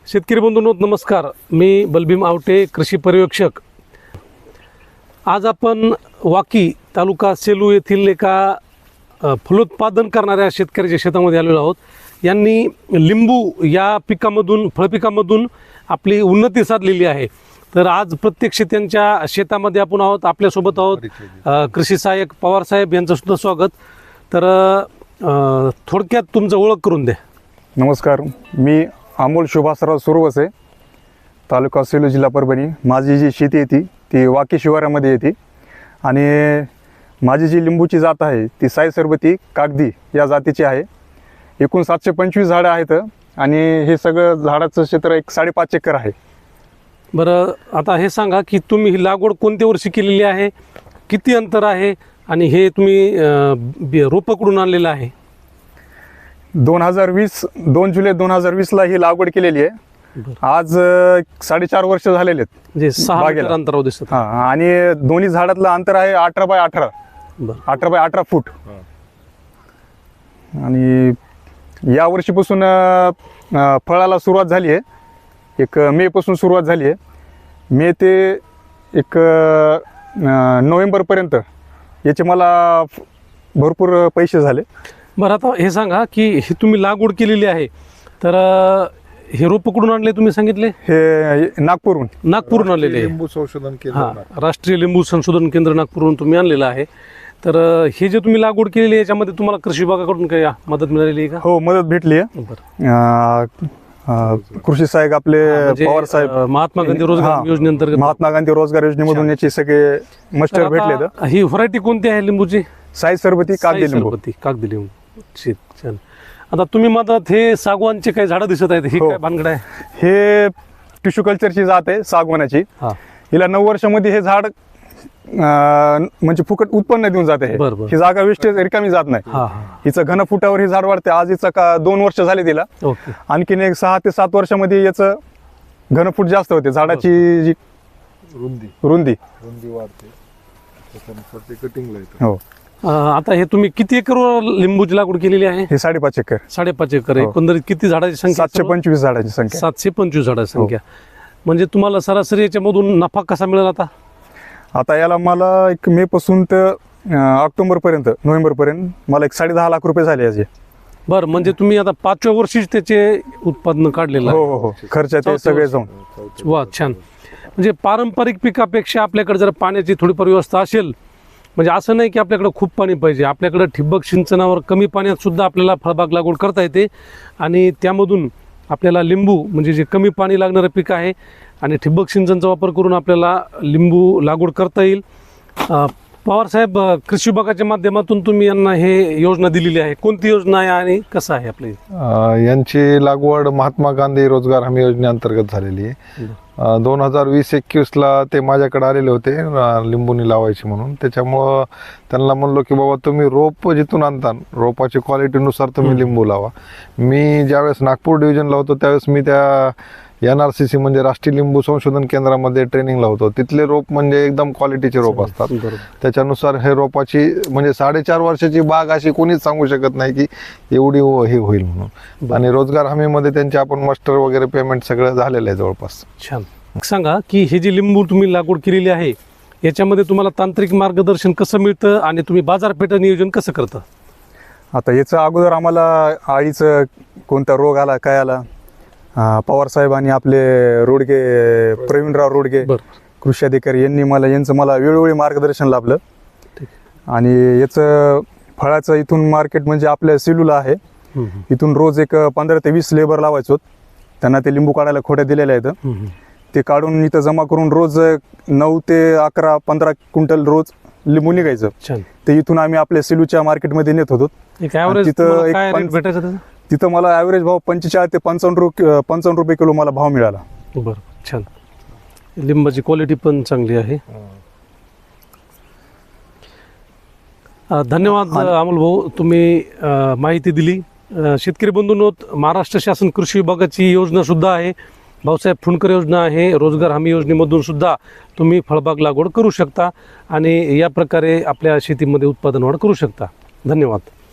शेतकरी बंधूंनो नमस्कार. मी बलभीम आवटे, कृषी पर्यवेक्षक. आज आपण वाकी तालुका सेलू येथील एका फलोत्पादन करणाऱ्या शेतकऱ्याच्या शेतामध्ये आलेलो आहोत. यांनी लिंबू या पिकामधून फळपिकामधून आपली उन्नती साधलेली आहे. तर आज प्रत्यक्ष त्यांच्या शेतामध्ये आपण आहोत. आपल्यासोबत आहोत कृषी सहाय्यक पवार साहेब, यांचं सुद्धा स्वागत. तर थोडक्यात तुमचं ओळख करून द्या. नमस्कार, मी अमोल सुभाषराव सुरवसे, तालुका सेलू, जिल्हा परभणी. माझी जी शेती येते ती वाकी शिवारामध्ये येते आणि माझी जी लिंबूची जात आहे ती साई सरबती कागदी या जातीची आहे. एकूण 725 झाडं आहेत आणि हे सगळं झाडाचं क्षेत्र एक 5.5 एकर आहे. बरं, आता हे सांगा की तुम्ही ही लागवड कोणत्या वर्षी केलेली आहे, किती अंतर आहे आणि हे तुम्ही रोपं कुठून आणलेलं आहे? 2 जुलै 2020ला ही लागवड केलेली आहे. आज 4.5 वर्ष झालेले आहेत. म्हणजे 6 मीटर अंतरावर दिसत. हां, आणि दोन्ही झाडातलं अंतर आहे 18 बाय 18. 18 बाय 18 फूट. आणि या वर्षीपासून फळाला सुरुवात झाली आहे. एक मे पासून सुरुवात झाली आहे. मे ते एक नोव्हेंबरपर्यंत याचे मला भरपूर पैसे झाले. बरं, आता हे सांगा की ही तुम्ही लागवड केलेली आहे, तर हे रोपं कुठून आणले तुम्ही सांगितले? हे नागपूरहून आणलेले आहे. लिंबू संशोधन केंद्र. हां, राष्ट्रीय लिंबू संशोधन केंद्र नागपूरहून तुम्ही आणलेलं आहे. तर हे जे तुम्ही लागवड केलेली आहे याच्यामध्ये तुम्हाला कृषी विभागाकडून काही मदत मिळालेली आहे का? हो, मदत भेटली आहे. कृषी सहाय्यक आपले पवार साहेब, महात्मा गांधी रोजगार योजनेअंतर्गत, महात्मा गांधी रोजगार योजनेमधून याचे सगळे मस्टर भेटले. ही व्हरायटी कोणती आहे लिंबूची? साई सरबती कागदी लिंबू. कागदी लिंबू. छान. आता तुम्ही मधात हे सागवानचे काही झाडं दिसत आहेत, ही काय भानगड आहे? हे टिश्यू कल्चरची जात आहे सागवानाची. हिला 9 वर्षामध्ये हे झाड म्हणजे फुकट उत्पन्न देऊन जाते. ही जागा वेस्टेज रिकामी जात नाही. हिचं घन फुटावर हे झाड वाढते. आज हिचं 2 वर्ष झाले तिला. आणखीन एक 6 ते 7 वर्षामध्ये याचं घनफूट जास्त होते. झाडाची जी रुंदी वाढते, त्याच्यानुसार ते कटिंगला येतं. हो. आता हे तुम्ही किती एकरवर लिंबूची लागवड केलेली आहे? हे 5.5 एकर. 5.5 एकर. एकंदरीत किती झाडाची संख्या? 725 झाडाची संख्या. 725 झाडाची संख्या. म्हणजे तुम्हाला सरासरी याच्यामधून नफा कसा मिळेल? आता याला मला एक मे पासून तर ऑक्टोबरपर्यंत, नोव्हेंबरपर्यंत मला एक 10.5 लाख रुपये झाले याचे. बरं, म्हणजे तुम्ही आता 5व्या वर्षीच त्याचे उत्पादन काढलेलं आहे? हो, खर्चाचे सगळे जाऊन. वा, छान. म्हणजे पारंपरिक पिकापेक्षा आपल्याकडे जर पाण्याची थोडीफार व्यवस्था असेल, म्हणजे असं नाही की आपल्याकडे खूप पाणी पाहिजे, आपल्याकडे ठिबक सिंचनावर कमी पाण्यात सुद्धा आपल्याला फळबाग लागवड करता येते आणि त्यामधून आपल्याला लिंबू म्हणजे जे कमी पाणी लागणारं पीक आहे आणि ठिबक सिंचनचा वापर करून आपल्याला लिंबू लागवड करता येईल. पवार साहेब, कृषी विभागाच्या माध्यमातून तुम्ही यांना हे योजना दिलेली आहे. कोणती योजना आहे आणि कसं आहे आपली? यांची लागवड महात्मा गांधी रोजगार हमी योजनेअंतर्गत झालेली आहे. 2020-21ला ते माझ्याकडे आलेले होते लिंबूनी लावायची म्हणून. त्याच्यामुळं त्यांना म्हणलो की बाबा तुम्ही रोप जिथून आणता रोपाची क्वालिटीनुसार तुम्ही लिंबू लावा. मी ज्यावेळेस नागपूर डिव्हिजनला होतो त्यावेळेस मी त्या NRCC म्हणजे राष्ट्रीय लिंबू संशोधन केंद्रामध्ये ट्रेनिंगला होतो. तिथले रोप म्हणजे एकदम क्वालिटीचे रोप असतात. त्याच्यानुसार हे रोपाची म्हणजे 4.5 वर्षाची बाग अशी कोणीच सांगू शकत नाही की एवढी हे होईल म्हणून. आणि रोजगार हमीमध्ये त्यांचे आपण मास्टर वगैरे पेमेंट सगळं झालेलं आहे जवळपास. छान. सांगा की हे जी लिंबू तुम्ही लागवड केलेली आहे याच्यामध्ये तुम्हाला तांत्रिक मार्गदर्शन कसं मिळतं आणि तुम्ही बाजारपेठ नियोजन कसं करता? आता याचं अगोदर आम्हाला आळीचं कोणता रोग आला, काय आला, पवार साहेब आणि आपले रोडगे, प्रवीणराव रोडगे कृषी अधिकारी यांचं मला वेळोवेळी मार्गदर्शन लाभलं. आणि याचं फळाचं इथून मार्केट म्हणजे आपल्या सेलूला आहे. इथून रोज एक 15 ते 20 लेबर लावायचो. त्यांना ते लिंबू काढायला खोट्या दिलेल्या आहेत. ते काढून इथं जमा करून रोज 9 ते 11, 15 क्विंटल रोज लिंबू निघायचं. ते इथून आम्ही आपल्या सेलूच्या मार्केटमध्ये नेत होतो. तिथं मला ॲव्हरेज भाव 45 ते 55 रुपये किलो मला भाव मिळाला. बरं, छान. लिंबाची क्वालिटी पण चांगली आहे. धन्यवाद अमोल भाऊ, तुम्ही माहिती दिली. शेतकरी बंधूंनो, महाराष्ट्र शासन कृषी विभागाची योजना सुद्धा आहे, भाऊसाहेब फुंडकर योजना आहे. रोजगार हमी योजनेमधून सुद्धा तुम्ही फळबाग लागवड करू शकता आणि या प्रकारे आपल्या शेतीमध्ये उत्पादन वाढ करू शकता. धन्यवाद.